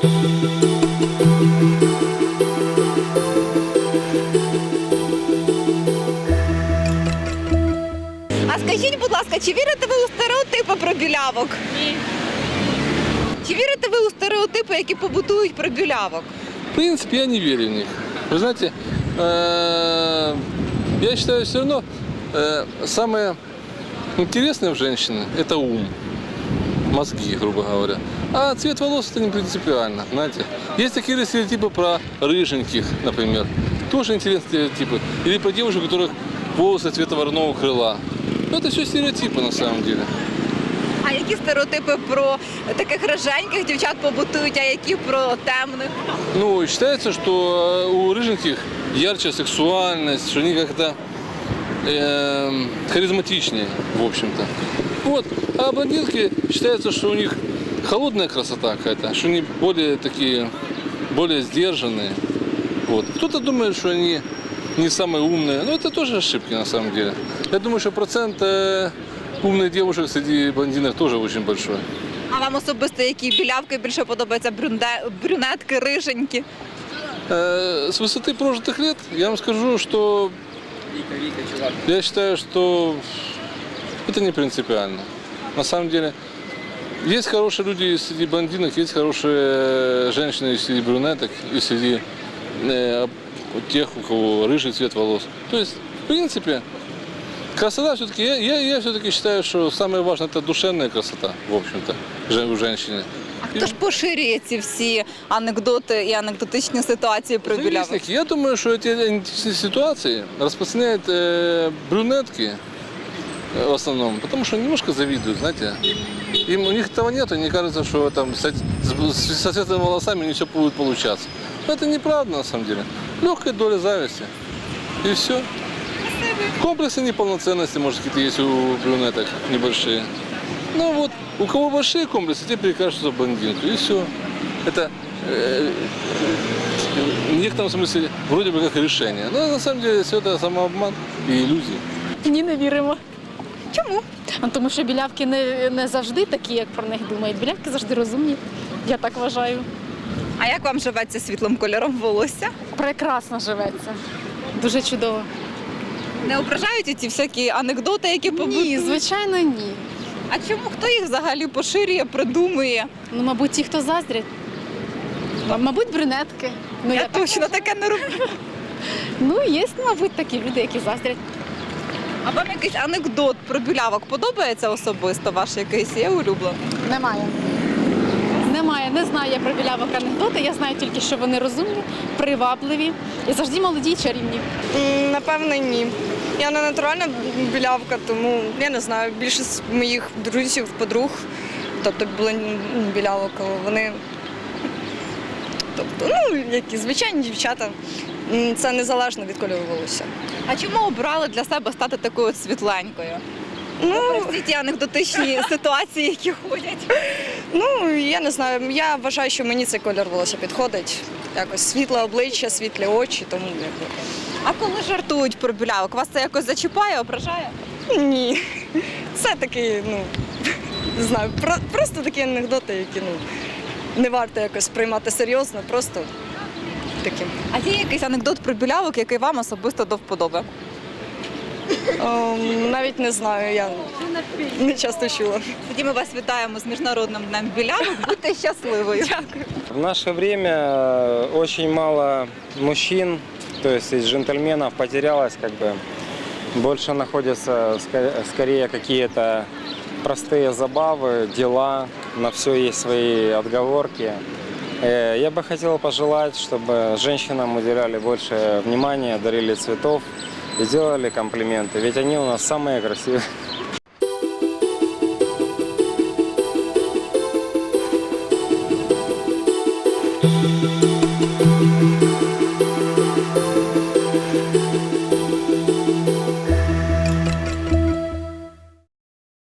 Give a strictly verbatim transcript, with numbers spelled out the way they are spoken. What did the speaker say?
А скажіть, будь ласка, чи вірите ви у стереотипи про білявок? Ні. Чи вірите ви у стереотипи, які побутують про білявок? В принципе, я не верю в них. Вы знаете, э, я считаю, все равно э, самое интересное в женщине – это ум, мозги, грубо говоря. А цвет волос – это не принципиально, знаете. Есть такие стереотипы про рыженьких, например. Тоже интересные стереотипы. Или про девушек, у которых волосы цвета вороного крыла. Но это все стереотипы на самом деле. А які стереотипи про таких роженьких дівчат побутують, а які про темних? Ну, считается, что у рыженьких ярче сексуальность, что они как-то э, харизматичнее, в общем-то. Вот. А блондинки считается, что у них холодная красота какая-то, что они более такие, более сдержанные. Вот. Кто-то думает, что они не самые умные, но это тоже ошибки на самом деле. Я думаю, что процент э, умных девушек среди блондинок тоже очень большой. А вам особисто які білявки більше подобаються? Брюнде... брюнетки, риженькі? Э, с высоты прожитых лет я вам скажу, что я считаю, что это не принципиально. На самом деле, есть хорошие люди и среди блондинок, есть хорошие женщины и среди брюнеток, и среди э, тех, у кого рыжий цвет волос. То есть, в принципе, красота все-таки, я, я, я все-таки считаю, что самое важное – это душевная красота, в общем-то, у женщины. А хто ж поширює ці всі анекдоти і анекдотичні ситуації про білявок? Завистники. Я думаю, что эти античные ситуации распространяют э, брюнетки э, в основном, потому что немножко завидуют, знаете. Им, у них того нет, и не кажется, что там с, с, со светлыми волосами не все будет получаться. Но это неправда на самом деле. Легкая доля зависти. И все. Комплексы неполноценности, может, какие-то есть у брюнеток небольшие. Ну вот, у кого большие комплексы, те перекажутся в блондинку, и все. Это э, в некотором смысле вроде бы как решение. Но на самом деле все это самообман и иллюзии. Ні, не віримо. Чому? Ну, тому що білявки не, не завжди такі, як про них думають. Білявки завжди розумні, я так вважаю. А як вам живеться світлим кольором волосся? Прекрасно живеться. Дуже чудово. Не ображають ці всякі анекдоти, які побутують? Ні, звичайно, ні. А чому? Хто їх взагалі поширює, придумує? Ну, мабуть, ті, хто заздрять. М- Мабуть, брюнетки. Ну, Я так точно вважаю. таке не роблю. Ну, є, мабуть, такі люди, які заздрять. А вам якийсь анекдот про білявок подобається особисто? Ваш якийсь є улюблений? Немає. Немає. Не знаю я про білявок анекдоти. Я знаю тільки, що вони розумні, привабливі і завжди молоді й чарівні. М, Напевно, ні. Я не натуральна білявка, тому я не знаю. Більшість моїх друзів, подруг, тобто блон- білявок, вони тобто, ну, які звичайні дівчата. М, Це незалежно від кольору волосся. А чому обрали для себе стати такою от світленькою? Ну, Всі ті анекдотичні ситуації, які ходять. ну, я не знаю. Я вважаю, що мені цей кольор волосся підходить. Якось світле обличчя, світлі очі, тому якби. А коли жартують про білявок, вас це якось зачіпає, ображає? Ні. Це такі, ну, не знаю, про- просто такі анекдоти, які ну, не варто якось приймати серйозно, просто такі. А є якийсь анекдот про білявок, який вам особисто до вподоби? Ем, навіть не знаю, я не часто чула. Тоді ми вас вітаємо з Міжнародним днем білявок. Будьте щасливою. Дякую. В наше время э, очень мало мужчин, то есть из джентльменов потерялось, как бы больше находятся ска- скорее какие-то простые забавы, дела, на все есть свои отговорки. Э, Я бы хотел пожелать, чтобы женщинам уделяли больше внимания, дарили цветов и делали комплименты, ведь они у нас самые красивые.